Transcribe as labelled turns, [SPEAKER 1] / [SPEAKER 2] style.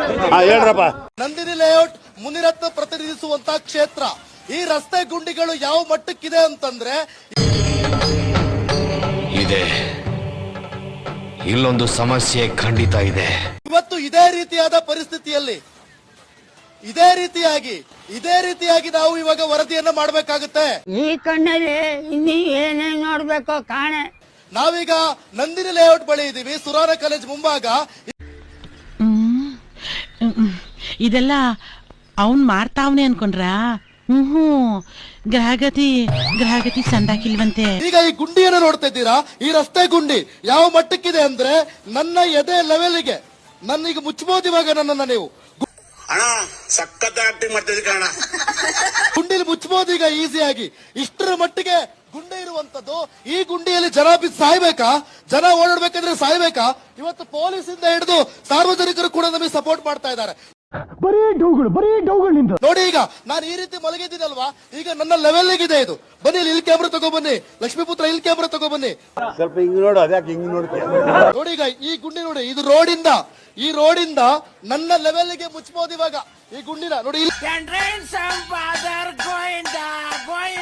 [SPEAKER 1] ಹೇಳ್ರಪ್ಪ.
[SPEAKER 2] Nandini layout Munirathna ಪ್ರತಿನಿಧಿಸುವಂತ ಕ್ಷೇತ್ರ. ಈ ರಸ್ತೆ ಗುಂಡಿಗಳು ಯಾವ ಮಟ್ಟಕ್ಕಿದೆ ಅಂತಂದ್ರೆ
[SPEAKER 3] ಇದೆ, ಇಲ್ಲೊಂದು ಸಮಸ್ಯೆ ಖಂಡಿತ ಇದೆ.
[SPEAKER 2] ಇವತ್ತು ಇದೇ ರೀತಿಯಾದ ಪರಿಸ್ಥಿತಿಯಲ್ಲಿ ಇದೇ ರೀತಿಯಾಗಿ ನಾವು ಇವಾಗ ವರದಿಯನ್ನ ಮಾಡಬೇಕಾಗುತ್ತೆ.
[SPEAKER 4] ಈ ಕಣ್ಣಲ್ಲಿ ಇನ್ನೀ ಏನೇನ್ ನೋಡ್ಬೇಕೋ ಕಾಣೆ.
[SPEAKER 2] ನಾವೀಗ ನಂದಿನಿ ಲೇಔಟ್ ಬಳಿ ಇದೀವಿ, ಸುರಾನ ಕಾಲೇಜ್ ಮುಂಭಾಗ.
[SPEAKER 5] ಇದೆಲ್ಲ ಅವನ್ ಮಾಡ್ತಾವ್ನೆ ಅನ್ಕೊಂಡ್ರ? ಗ್ರಹಗತಿ ಸಂದಾಕಿಲ್ವಂತೆ.
[SPEAKER 2] ಈಗ ಈ ಗುಂಡಿಯನ್ನು ನೋಡ್ತಾ ಇದ್ದೀರಾ, ಈ ರಸ್ತೆ ಗುಂಡಿ ಯಾವ ಮಟ್ಟಕ್ಕಿದೆ ಅಂದ್ರೆ ನನ್ನ ಎದೆ ಲೆವೆಲ್ಗೆ ನನ್ನೀಗ ಮುಚ್ಚಬಹುದು ಇವಾಗ ನನ್ನನ್ನ ನೀವು. ಗುಂಡಿಲಿ ಮುಚ್ಚಬಹುದು ಈಗ ಈಸಿಯಾಗಿ. ಇಷ್ಟರ ಮಟ್ಟಿಗೆ ಗುಂಡಿ ಇರುವಂತದ್ದು. ಈ ಗುಂಡಿಯಲ್ಲಿ ಜನ ಬಿದ್ದು ಸಾಯ್ಬೇಕಾ? ಜನ ಓಡಾಡ್ಬೇಕಂದ್ರೆ ಸಾಯ್ಬೇಕಾ? ಇವತ್ತು ಪೊಲೀಸ್ ಇಂದ ಹಿಡಿದು ಸಾರ್ವಜನಿಕರು ಕೂಡ ನಮಗೆ ಸಪೋರ್ಟ್ ಮಾಡ್ತಾ ಇದ್ದಾರೆ.
[SPEAKER 1] ಬರೀ ಡೌಗಳಿಂದ
[SPEAKER 2] ನೋಡಿ, ಈಗ ನಾನು ಈ ರೀತಿ ಮಲಗಿದ್ದೀನಲ್ವಾ, ಈಗ ನನ್ನ ಲೆವೆಲ್ಗಿದೆ ಇದು. ಬನ್ನಿ ಇಲ್ಲಿ ಕ್ಯಾಮ್ರಾ ತಗೊಬನ್ನಿ, ಲಕ್ಷ್ಮೀಪುತ್ರ ಇಲ್ಲಿ ಕ್ಯಾಮ್ರಾ ತಗೊಬನ್ನಿ.
[SPEAKER 1] ಸ್ವಲ್ಪ ಹಿಂಗ್ ನೋಡು, ಅದ್ಯಾಕೆ ಹಿಂಗ್ ನೋಡ್ತೀಯ?
[SPEAKER 2] ನೋಡಿ ಈಗ ಈ ಗುಂಡಿ ನೋಡಿ, ಇದು ಈ ರೋಡಿಂದ ನನ್ನ ಲೆವೆಲ್ಗೆ ಮುಚ್ಚಬಹುದು ಇವಾಗ ಈ ಗುಂಡಿನ ನೋಡಿ.